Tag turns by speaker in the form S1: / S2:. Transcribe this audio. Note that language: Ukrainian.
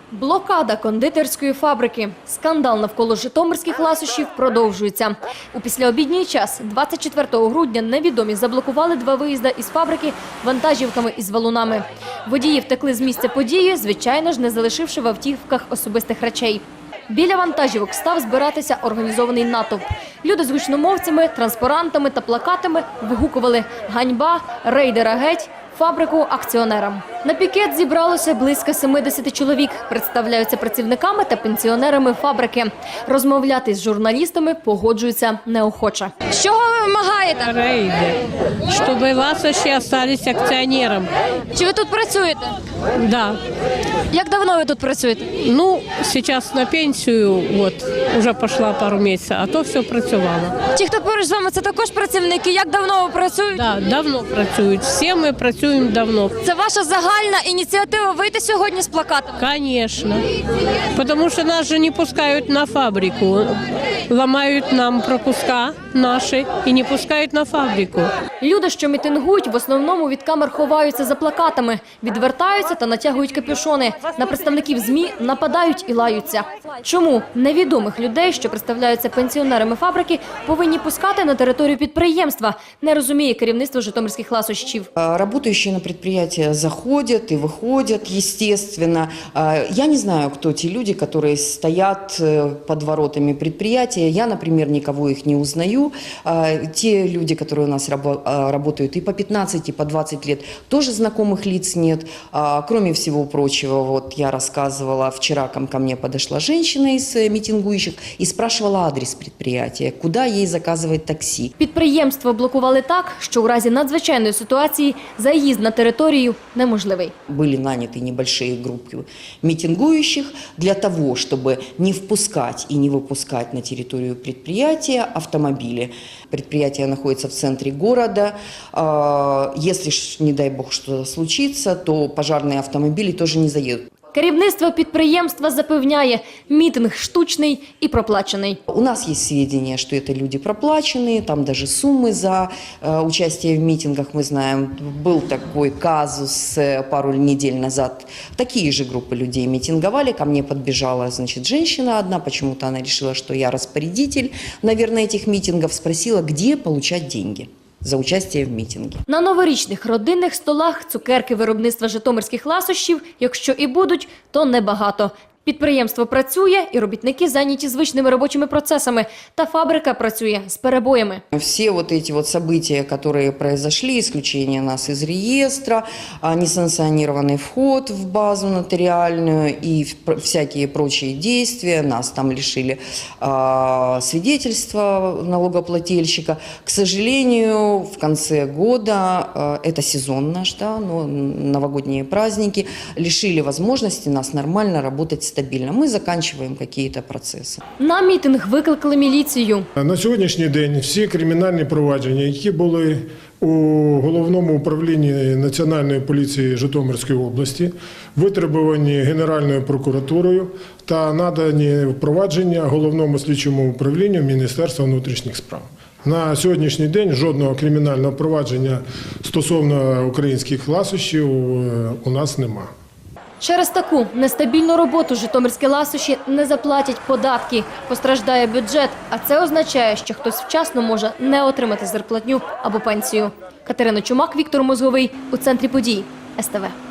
S1: Блокада кондитерської фабрики. Скандал навколо житомирських ласощів продовжується. У післяобідній час 24 грудня невідомі заблокували 2 виїзди із фабрики вантажівками із валунами. Водії втекли з місця події, звичайно ж, не залишивши в автівках особистих речей. Біля вантажівок став збиратися організований натовп. Люди з гучномовцями, транспарантами та плакатами вигукували «Ганьба», «Рейдера геть», «Фабрику акціонерам». На пікет зібралося близько 70 чоловік. Представляються працівниками та пенсіонерами фабрики. Розмовляти з журналістами погоджуються неохоче. Що ви вимагаєте?
S2: Рейдер, щоб ласощі залишилися акціонером.
S1: Чи ви тут працюєте?
S2: Да.
S1: Як давно ви тут працюєте?
S2: Ну, зараз на пенсію, вже пішла пару місяців, а то все працювало.
S1: Ті, хто поруч з вами, це також працівники. Як давно ви працюєте?
S2: Да, давно працюють. Всі ми працюємо давно.
S1: Це ваша загальна ініціатива вийти сьогодні з плакатами?
S2: Конечно. Потому что нас же не пускают на фабрику. Ломают нам пропуска наши и не пускают на фабрику.
S1: Люди, що мітингують, в основному від камер ховаються за плакатами, відвертаються та натягують капюшони. На представників ЗМІ нападають і лаються. Чому невідомих людей, що представляються пенсіонерами фабрики, повинні пускати на територію підприємства, не розуміє керівництво житомирських ласощів.
S3: Работающие на предприятия заходят и выходят, естественно. Я не знаю, кто те люди, которые стоят под воротами предприятия. Я, например, никого их не узнаю. Те люди, которые у нас работают и по 15, и по 20 лет, тоже знакомых лиц нет. Кроме всего прочего, вот я рассказывала, вчера ко мне подошла женщина из митингующих и спрашивала адрес предприятия, куда ей заказывать такси.
S1: Підприємство блокували так, що у разі надзвичайної ситуації заїзд на територію неможливий.
S3: Были наняты небольшие группы митингующих для того, чтобы не впускать и не выпускать на территорию предприятия автомобили. Предприятие находится в центре города. Если, не дай бог, что-то случится, то пожарные автомобили тоже не заедут.
S1: Керівництво підприємства запевняє, мітинг штучний і проплачений.
S3: У нас есть сведения, что это люди проплаченные, там даже суммы за участие в митингах, мы знаем. Был такой казус пару недель назад. Такие же группы людей митинговали, ко мне подбежала, женщина одна, почему-то она решила, что я распорядитель, наверное, этих митингов, спросила, где получать деньги за участие в мітингі.
S1: На новорічних родинних столах цукерки виробництва житомирських ласощів, якщо і будуть, то небагато. Підприємство працює, і робітники зайняті звичними робочими процесами, та фабрика працює з перебоями.
S3: Все вот эти вот события, которые произошли, исключение нас из реестра, несанкционированный вход в базу нотариальную и всякие прочие действия, нас там лишили свидетельства налогоплательщика. К сожалению, в конце года, это сезон наш, да, но новогодние праздники, лишили возможности нас нормально работать стабільно. Ми закінчуємо якісь процеси.
S1: На мітинг викликали міліцію.
S4: На сьогоднішній день всі кримінальні провадження, які були у Головному управлінні Національної поліції Житомирської області, витребувані Генеральною прокуратурою та надані впровадження Головному слідчому управлінню Міністерства внутрішніх справ. На сьогоднішній день жодного кримінального провадження стосовно українських ласощів у нас немає.
S1: Через таку нестабільну роботу житомирські ласощі не заплатять податки, постраждає бюджет, а це означає, що хтось вчасно може не отримати зарплатню або пенсію. Катерина Чумак, Віктор Мозговий. У центрі подій. СТВ.